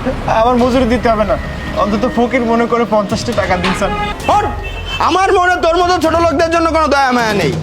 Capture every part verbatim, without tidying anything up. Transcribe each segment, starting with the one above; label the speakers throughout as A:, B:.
A: আমার মজুরি দিতে হবে না, অন্তত ফকির মনে করে পঞ্চাশটা টাকা দিন স্যার।
B: হট! আমার মনে তোর মতো ছোট লোকদের জন্য কোনো দয়া মায়া নেই।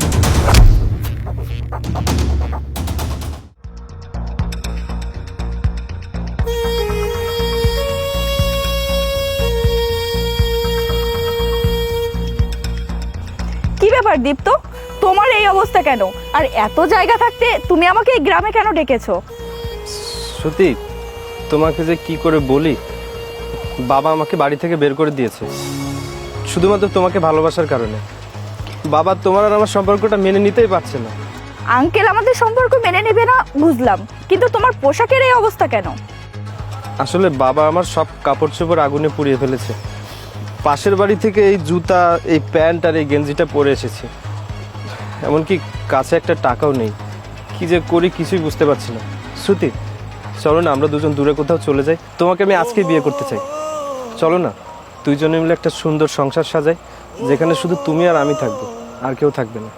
C: কি ব্যাপার দীপ্ত, তোমার এই অবস্থা কেন? আর এত জায়গা থাকতে তুমি আমাকে এই গ্রামে কেন ডেকেছো?
D: শ্রুতি, তোমাকে যে কি করে বলি, বাবা আমাকে বাড়ি থেকে বের করে দিয়েছে শুধুমাত্র তোমাকে ভালোবাসার কারণে। বাবা তোমার আর আমার সম্পর্কটা মেনে নিতেই পারছে না।
C: আঙ্কেল আমাদের সম্পর্ক মেনে নেবে না বুঝলাম, কিন্তু তোমার পোশাকের এই অবস্থা কেন?
D: আসলে বাবা আমার সব কাপড় চোপড় আগুনে পুড়িয়ে ফেলেছে। পাশের বাড়ি থেকে এই জুতা, এই প্যান্ট আর এই গেঞ্জিটা পরে এসেছি। এমনকি কাছে একটা টাকাও নেই। কি যে করি কিছুই বুঝতে পারছি না। শ্রুতি, চলো না আমরা দুজন দূরে কোথাও চলে যাই। তোমাকে আমি আজকে বিয়ে করতে চাই। চলো না দুইজনে মিলে একটা সুন্দর সংসার সাজাই, যেখানে শুধু তুমি আর আমি থাকবো, আর কেউ থাকবে না।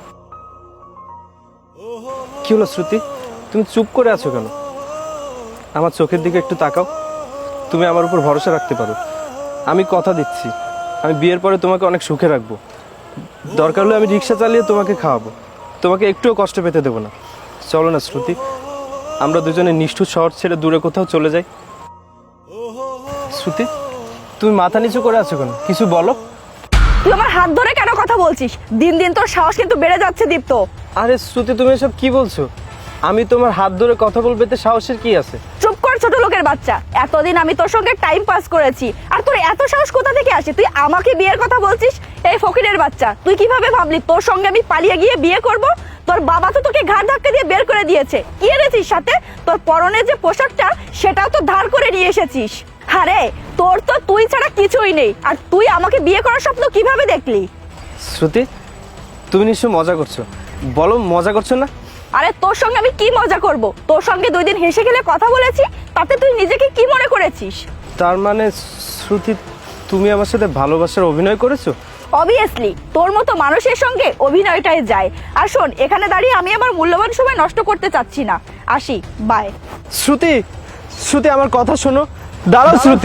D: কি হলো শ্রুতি, তুমি চুপ করে আছো কেন? আমার চোখের দিকে একটু তাকাও। তুমি আমার উপর ভরসা রাখতে পারো। আমি কথা দিচ্ছি, আমি বিয়ের পরে তোমাকে অনেক সুখে রাখবো। দরকার হলে আমি রিক্সা চালিয়ে তোমাকে খাওয়াবো, তোমাকে একটুও কষ্ট পেতে দেবো না। চলো না শ্রুতি, আমরা দুজনে নিষ্ঠুর শহর ছেড়ে দূরে কোথাও চলে যাই। শ্রুতি, তুমি মাথা নিচু করে আছো কেন? কিছু বলো।
C: তুই আমার হাত ধরে কেন কথা বলছিস? দিন দিন তোর সাহস কিন্তু বেড়ে যাচ্ছে দীপ্ত।
D: আরে শ্রুতি, তুমি এসব কি বলছো? আমি তোমার হাত ধরে কথা বলবে তো সাহসের কি আছে?
C: চুপ কর ছোট লোকের বাচ্চা। এতদিন আমি তোর সঙ্গে টাইম পাস করেছি, আর তোর এত সাহস কোথা থেকে আসে? তুই আমাকে বিয়ের কথা বলছিস? এই ফকিরের বাচ্চা, তুই কিভাবে ভাবলি তোর সঙ্গে আমি পালিয়ে গিয়ে বিয়ে করব? তোর বাবা তো তোকে ঘাট ধাক্কা দিয়ে বের করে দিয়েছে। কি এনেছিস সাথে? তোর পরনে যে পোশাকটা সেটাও তো ধার করে নিয়ে এসেছিস। আরে তোর তো তুই ছাড়া কিছুই নেই, আর তুই আমাকে বিয়ে করার স্বপ্ন কিভাবে দেখলি?
D: শ্রুতি, তুমি নিশ্চয় মজা করছো। বলো, মজা করছো না?
C: আরে তোর সঙ্গে আমি কি মজা করব? তোর সঙ্গে দুই দিন হেসে খেলে কথা বলেছি, তাতে তুই নিজেকে কি মনে করেছিস?
D: তার মানে শ্রুতি, তুমি আমার সাথে ভালোবাসার অভিনয় করেছো?
C: অবভিয়াসলি, তোর মতো মানুষের সঙ্গে অভিনয়টাই যায়। আর শোন, এখানে দাঁড়িয়ে আমি আমার মূল্যবান সময় নষ্ট করতে চাচ্ছি না। আসি, বাই।
D: শ্রুতি, শ্রুতি আমার কথা শোনো। দাঁড়াও শ্রুতি।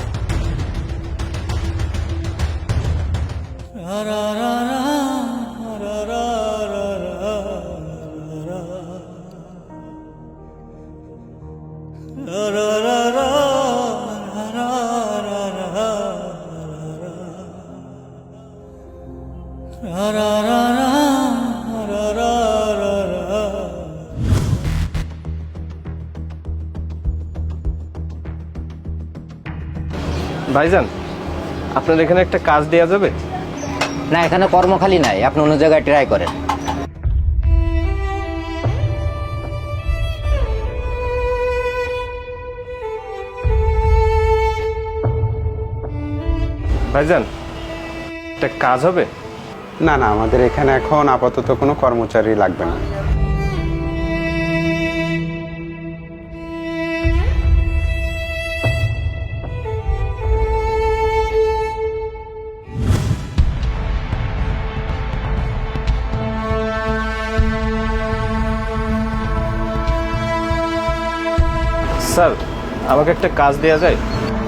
D: ভাইজান, আপনার এখানে একটা কাজ দেয়া যাবে?
E: না, এখানে কর্মখালি নাই, আপনি অন্য জায়গায় ট্রাই করেন।
D: ভাইজান, একটা কাজ হবে?
F: না না, আমাদের এখানে এখন আপাতত কোনো কর্মচারী লাগবে না।
D: স্যার, আমাকে একটা কাজ দেয়া যায়?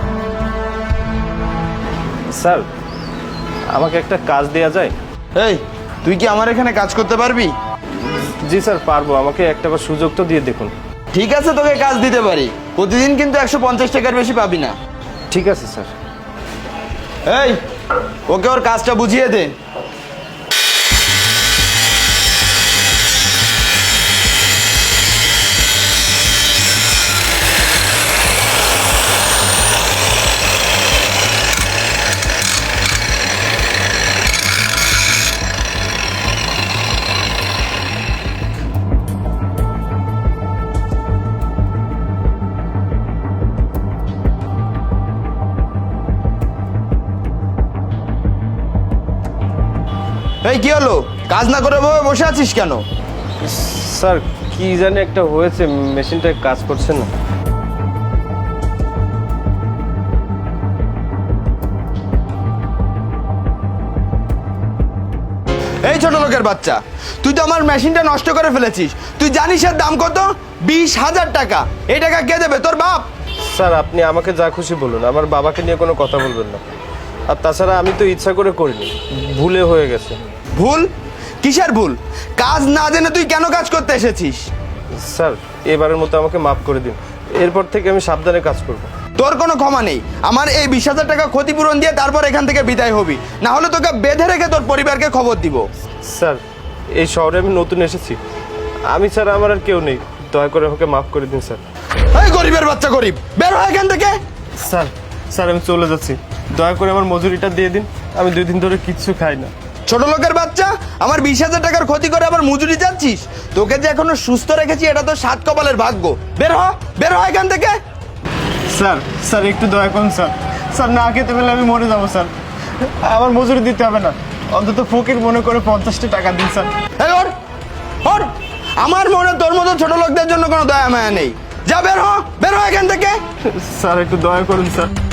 D: স্যার, আমাকে একটা কাজ দেয়া যায়?
B: এই, তুই কি আমার এখানে কাজ করতে পারবি?
D: জি স্যার, পারবো। আমাকে একটা বার সুযোগ তো দিয়ে দেখুন।
B: ঠিক আছে, তোকে কাজ দিতে পারি। প্রতিদিন কিন্তু একশো পঞ্চাশ টাকার বেশি পাবি না।
D: ঠিক আছে স্যার।
B: এই, ওকে ওর কাজটা বুঝিয়ে দে। এই, কি হলো? কাজ না করে ভাবে বসে আছিস কেন?
D: স্যার, কি জানি একটা হয়েছে, মেশিনটা কাজ করছে না।
B: এই ছোট লোকের বাচ্চা, তুই তো আমার মেশিনটা নষ্ট করে ফেলেছিস। তুই জানিস এর দাম কত? বিশ হাজার টাকা। এই টাকা কে দেবে? তোর বাপ।
D: স্যার আপনি আমাকে যা খুশি বলুন, আমার বাবাকে নিয়ে কোনো কথা বলবেন না। আর তাছাড়া আমি তো ইচ্ছা করে করিনি, ভুলে হয়ে গেছে।
B: ভুল? কিসের ভুল? কাজ না জেনে তুই কেন কাজ করতে এসেছিস?
D: স্যার এবারের মতো আমাকে মাফ করে দিন, এরপর থেকে আমি সাবধানে কাজ করব।
B: তোর কোনো ক্ষমা নেই। আমার এই বিশ হাজার টাকা ক্ষতিপূরণ দিয়ে তারপর এখান থেকে বিদায় হবি, না হলে তোকে বেঁধে রেখে তোর পরিবারকে খবর দিব।
D: স্যার এই শহরে আমি নতুন এসেছি, আমি ছাড়া আমার আর কেউ নেই, দয়া করে আমাকে মাফ করে দিন স্যার।
B: এই গরিবের বাচ্চা গরিব, বের হয় এখান থেকে।
A: স্যার স্যার আমি চলে যাচ্ছি, দয়া করে আমার মজুরিটা দিয়ে দিন, আমি দুই দিন ধরে কিচ্ছু খাই না।
B: ছোট লোকের বাচ্চা, আমার বিশ হাজার টাকার ক্ষতি করে আবার মজুরি যাচ্ছিস? তোকে যে এখনো সুস্থ রেখেছি এটা তো সাত কপালের ভাগ্য। বের হ, বের হয় এখান থেকে।
A: স্যার স্যার একটু দয়া করুন স্যার, স্যার না খেতে পেলে আমি মরে যাবো স্যার, আমার মজুরি দিতে হবে না, অন্তত ফকির মনে করে পঞ্চাশটা টাকা দিন স্যার।
B: এই ওর, ওর। আমার মনে তোর মতো ছোট লোকদের জন্য কোনো দয়া মায়া নেই। যা বের হ, বের হয় এখান থেকে।
A: স্যার একটু দয়া করুন স্যার।